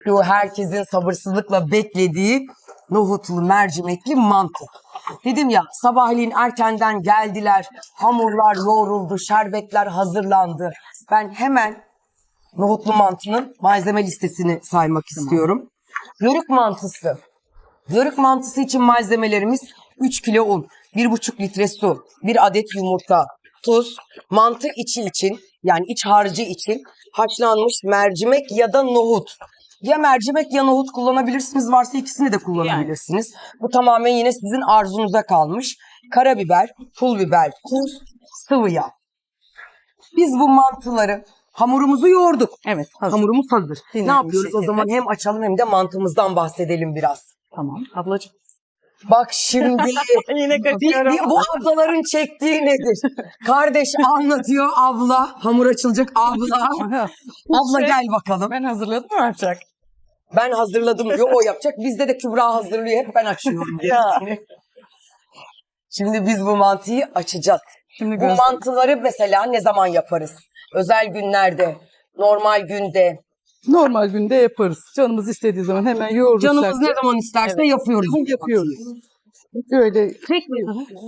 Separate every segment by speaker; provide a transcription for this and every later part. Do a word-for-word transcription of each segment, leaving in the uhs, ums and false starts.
Speaker 1: Şu herkesin sabırsızlıkla beklediği nohutlu mercimekli mantı. Dedim ya, sabahleyin erkenden geldiler, hamurlar yoğruldu, şerbetler hazırlandı. Ben hemen nohutlu mantının malzeme listesini saymak istiyorum. Yörük mantısı. Yörük mantısı için malzemelerimiz üç kilo un, bir buçuk litre su, bir adet yumurta, tuz, mantı içi için yani iç harcı için haşlanmış mercimek ya da nohut. Ya mercimek ya nohut kullanabilirsiniz, varsa ikisini de kullanabilirsiniz. Bu tamamen yine sizin arzunuza kalmış. Karabiber, pul biber, tuz, sıvı yağ. Biz bu mantıları, hamurumuzu yoğurduk.
Speaker 2: Evet, hazır.
Speaker 1: Hamurumuz hazır.
Speaker 2: Dinlenmiş
Speaker 1: Ne yapıyoruz o
Speaker 2: şekilde.
Speaker 1: zaman? Hem açalım hem de mantımızdan bahsedelim biraz.
Speaker 2: Tamam. Ablacığım.
Speaker 1: Bak şimdi
Speaker 2: Yine
Speaker 1: bir, bir, bu ablaların çektiği nedir? Kardeş anlatıyor, abla. Hamur açılacak, abla. Abla gel bakalım.
Speaker 2: Ben hazırladım mı yapacak?
Speaker 1: Ben hazırladım diyor, o yapacak. Bizde de Kübra hazırlıyor, hep ben açıyorum. gerisini. Şimdi biz bu mantıyı açacağız.
Speaker 2: Şimdi
Speaker 1: Bu
Speaker 2: göz...
Speaker 1: mantıları mesela ne zaman yaparız? Özel günlerde, normal günde.
Speaker 3: Normal günde yaparız. Canımız istediği zaman hemen yoğururuz.
Speaker 1: Canımız ne zaman isterse
Speaker 2: Evet.
Speaker 1: yapıyoruz. bu
Speaker 3: yapıyoruz.
Speaker 1: mantıyı.
Speaker 3: Öyle
Speaker 1: Tek mi?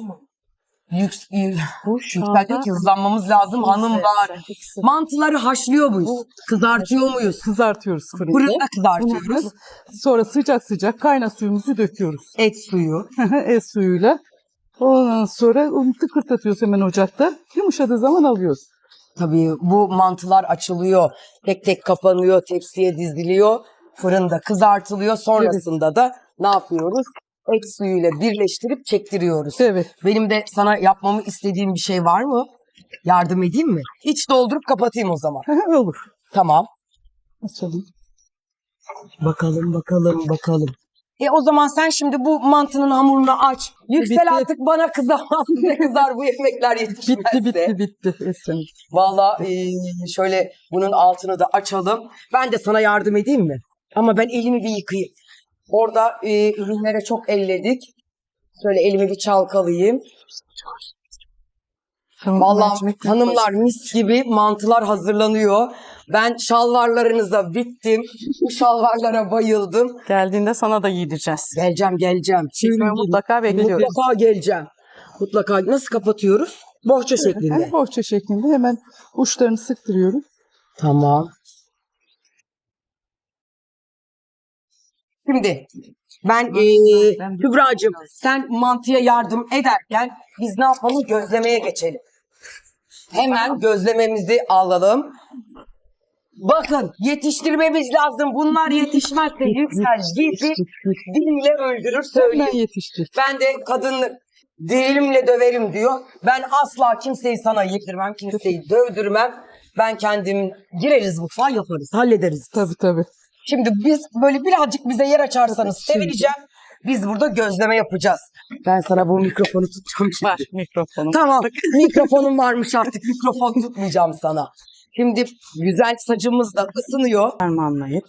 Speaker 1: Yüks,
Speaker 2: Bu şu
Speaker 1: yükseltmek
Speaker 2: anda...
Speaker 1: hızlanmamız lazım hanımlar. Mantıları haşlıyor muyuz? Kızartıyor muyuz?
Speaker 3: kızartıyoruz fırında.
Speaker 1: Fırında kızartıyoruz.
Speaker 3: Sonra sıcak sıcak kaynar suyumuzu döküyoruz.
Speaker 1: Et suyu.
Speaker 3: Et suyuyla. Ondan sonra onu tıkırtatıyoruz hemen ocakta. Yumuşadığı zaman alıyoruz.
Speaker 1: Tabii bu mantılar açılıyor. Tek tek kapanıyor, tepsiye diziliyor. Fırında kızartılıyor. Sonrasında da ne yapıyoruz? Et suyuyla birleştirip çektiriyoruz.
Speaker 3: Evet.
Speaker 1: Benim de sana yapmamı istediğim bir şey var mı? Yardım edeyim mi? İç doldurup kapatayım o zaman.
Speaker 3: Olur.
Speaker 1: Tamam.
Speaker 3: Açalım.
Speaker 1: Bakalım, bakalım, bakalım. E o zaman sen şimdi bu mantının hamurunu aç. Yüksel
Speaker 3: Bitti.
Speaker 1: artık, bana kızamaz. Ne kızar bu yemekler yetişmezse.
Speaker 3: Bitti bitti bitti Esra'm.
Speaker 1: Valla e, şöyle bunun altını da açalım. Ben de sana yardım edeyim mi? Ama ben elimi bir yıkayayım. Orada e, ürünlere çok elledik. Şöyle elimi bir çalkalayayım.
Speaker 3: Tamam,
Speaker 1: Vallahi
Speaker 3: mercimek
Speaker 1: hanımlar mis gibi mantılar hazırlanıyor. Ben şalvarlarınıza bittim. Bu şalvarlara bayıldım.
Speaker 2: Geldiğinde sana da yedireceğiz.
Speaker 1: Geleceğim, geleceğim.
Speaker 2: Çünkü mutlaka bekliyoruz.
Speaker 1: Mutlaka geleceğim. Mutlaka. Nasıl kapatıyoruz? Bohça şeklinde.
Speaker 3: Yani bohça şeklinde hemen uçlarını sıktırıyoruz.
Speaker 1: Tamam. Şimdi ben eee Kübra'cığım, sen mantıya yardım ederken biz ne yapalım? Gözlemeye geçelim. Hemen gözlememizi alalım. Bakın, yetiştirmemiz lazım. Bunlar yetişmezse Yüksel bizi diliyle öldürür
Speaker 3: Hemen
Speaker 1: söyleyeyim.
Speaker 3: yetişecek.
Speaker 1: Ben de kadınlık dilimle döverim diyor. Ben asla kimseyi sana yedirmem, kimseyi dövdürmem. Ben kendim gireriz mutfağa, yaparız, hallederiz.
Speaker 3: Tabii tabii.
Speaker 1: Şimdi biz böyle birazcık bize yer açarsanız sevineceğim. Biz burada gözleme yapacağız. Ben sana bu mikrofonu tutacağım şimdi.
Speaker 2: Var mikrofonum.
Speaker 1: Tamam, mikrofonum varmış artık. Mikrofon tutmayacağım sana. Şimdi güzel sacımız da ısınıyor.
Speaker 2: Harmanlayıp.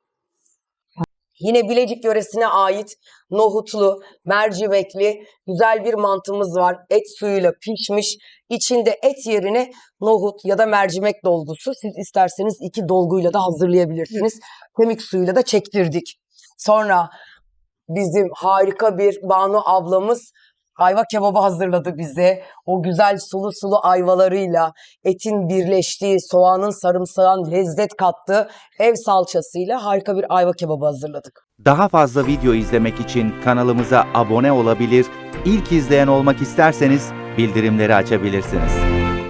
Speaker 1: Yine Bilecik yöresine ait nohutlu, mercimekli güzel bir mantımız var. Et suyuyla pişmiş. İçinde et yerine nohut ya da mercimek dolgusu. Siz isterseniz iki dolguyla da hazırlayabilirsiniz. Kemik suyuyla da çektirdik. Sonra bizim harika bir Banu ablamız ayva kebabı hazırladı bize. O güzel sulu sulu ayvalarıyla, etin birleştiği, soğanın sarımsağın lezzet kattığı ev salçasıyla harika bir ayva kebabı hazırladık.
Speaker 4: Daha fazla video izlemek için kanalımıza abone olabilir, ilk izleyen olmak isterseniz bildirimleri açabilirsiniz.